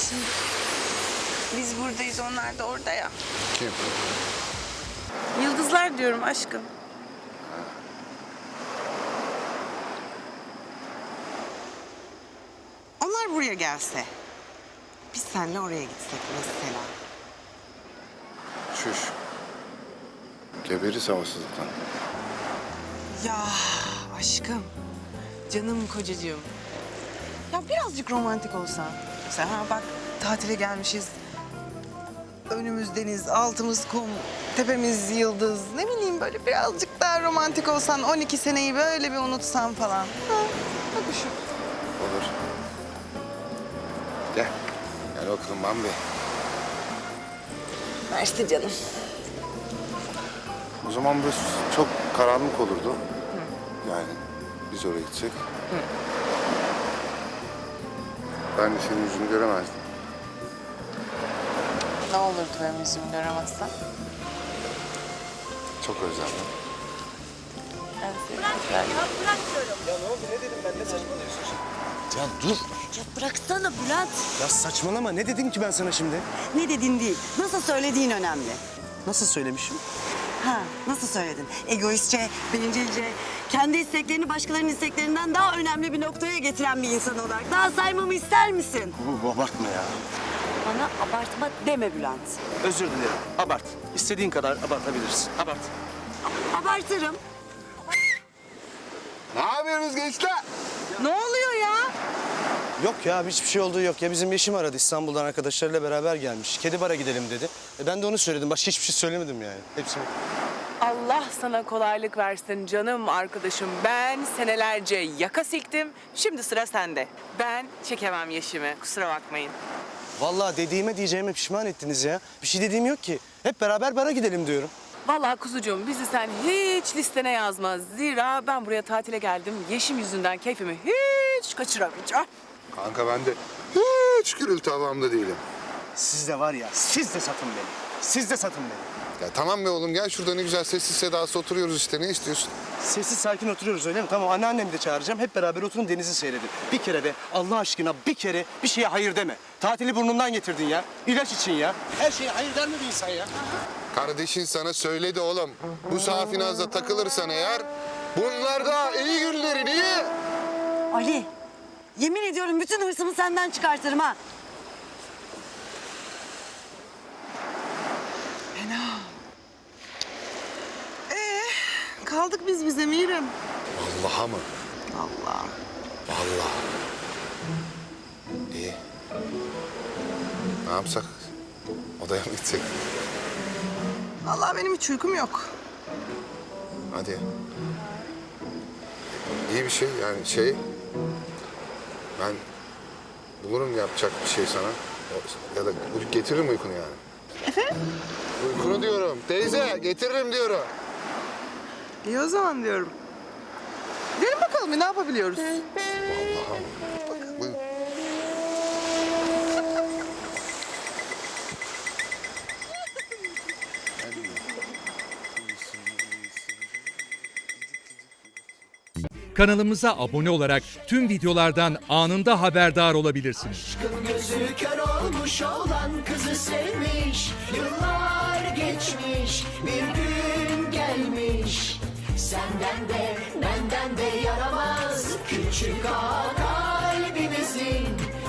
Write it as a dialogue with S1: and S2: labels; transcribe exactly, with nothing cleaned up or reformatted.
S1: şimdi biz buradayız, onlar da orada ya.
S2: Kim?
S1: Yıldızlar diyorum aşkım. Onlar buraya gelse, biz seninle oraya gitsek mesela.
S2: Şuş. Geberiz havasızlıktan.
S1: Ya aşkım, canım kocacığım. Ya birazcık romantik olsan. Sen ha bak, tatile gelmişiz. Önümüz deniz, altımız kum, tepemiz yıldız. Ne bileyim, böyle birazcık daha romantik olsan, on iki seneyi böyle bir unutsan falan. Ha, bak şu.
S2: Olur. Gel. Gel bakalım Bambi.
S1: Mersi canım.
S2: O zaman böyle çok karanlık olurdu. Hı. Yani biz oraya gitsek. Hı. Ben de senin yüzünü göremezdim.
S1: Ne olurdu benim yüzümü göremezsen?
S2: Çok özledim.
S1: Ben seni güzel.
S3: Ya ne oldu, ne dedim ben, ne saçmalıyorsun şimdi? Ya dur.
S4: Ya bıraksana Bülent.
S3: Ya saçmalama, ne dedim ki ben sana şimdi?
S4: Ne dediğin değil, nasıl söylediğin önemli.
S3: Nasıl söylemişim?
S4: Ha, nasıl söyledin? Egoistçe, bencilce, kendi isteklerini başkalarının isteklerinden daha önemli bir noktaya getiren bir insan olarak daha saymamı ister misin?
S3: Bu abartma ya.
S4: Bana abartma deme Bülent.
S3: Özür dilerim, abart. İstediğin kadar abartabilirsin, abart.
S4: Abartırım.
S2: Ne yapıyorsunuz gençler?
S1: Ne oluyor ya?
S3: Yok ya, hiçbir şey olduğu yok. Ya bizim Yeşim aradı, İstanbul'dan arkadaşlarıyla beraber gelmiş. Kedi bara gidelim dedi. E ben de onu söyledim, başka hiçbir şey söylemedim yani. Hepsi bu.
S5: Allah sana kolaylık versin canım arkadaşım. Ben senelerce yaka siktim. Şimdi sıra sende. Ben çekemem Yeşim'i. Kusura bakmayın.
S3: Vallahi dediğime diyeceğime pişman ettiniz ya. Bir şey dediğim yok ki. Hep beraber bara gidelim diyorum.
S5: Vallahi kuzucuğum bizi sen hiç listene yazma. Zira ben buraya tatile geldim. Yeşim yüzünden keyfimi hiç kaçıramayacağım.
S2: Kanka ben de hiç gürültü havamda değilim.
S3: Siz de var ya, siz de satın beni. Siz de satın beni.
S2: Ya tamam be oğlum, gel şurada ne güzel sessiz sedasız oturuyoruz işte, ne istiyorsun?
S3: Sessiz sakin oturuyoruz öyle mi? Tamam, anneannemi de çağıracağım. Hep beraber oturun, denizi seyredin. Bir kere de Allah aşkına bir kere bir şeye hayır deme. Tatili burnundan getirdin ya. İlaç için ya. Her şeye hayır der mi bir insan ya?
S2: Kardeşin sana söyledi oğlum. Bu safinazda takılırsan eğer bunlar da iyi günlerin iyi.
S4: Ali, yemin ediyorum bütün hırsımı senden çıkartırım ha.
S1: Ee, kaldık biz bize Mirim.
S2: Vallahi mı?
S1: Allah.
S2: Vallahi. İyi. Ne yapsak? Odaya mı gitsek?
S1: Vallahi benim hiç uykum yok.
S2: Hadi. İyi bir şey yani şey... Ben bulurum yapacak bir şey sana. O- Ya da getiririm uykunu yani.
S1: Efendim?
S2: Uykunu diyorum. Teyze getiririm diyorum.
S1: İyi o zaman diyorum. Gidelim bakalım bir ne yapabiliyoruz?
S2: Vallahi. Bak, buyurun.
S6: Kanalımıza abone olarak tüm videolardan anında haberdar olabilirsiniz.
S7: Aşkın gözü kör olmuş olan kızı sevmiş. Yıllar geçmiş, bir gün gelmiş. Senden de benden de yaramaz küçük ağa kalbimizin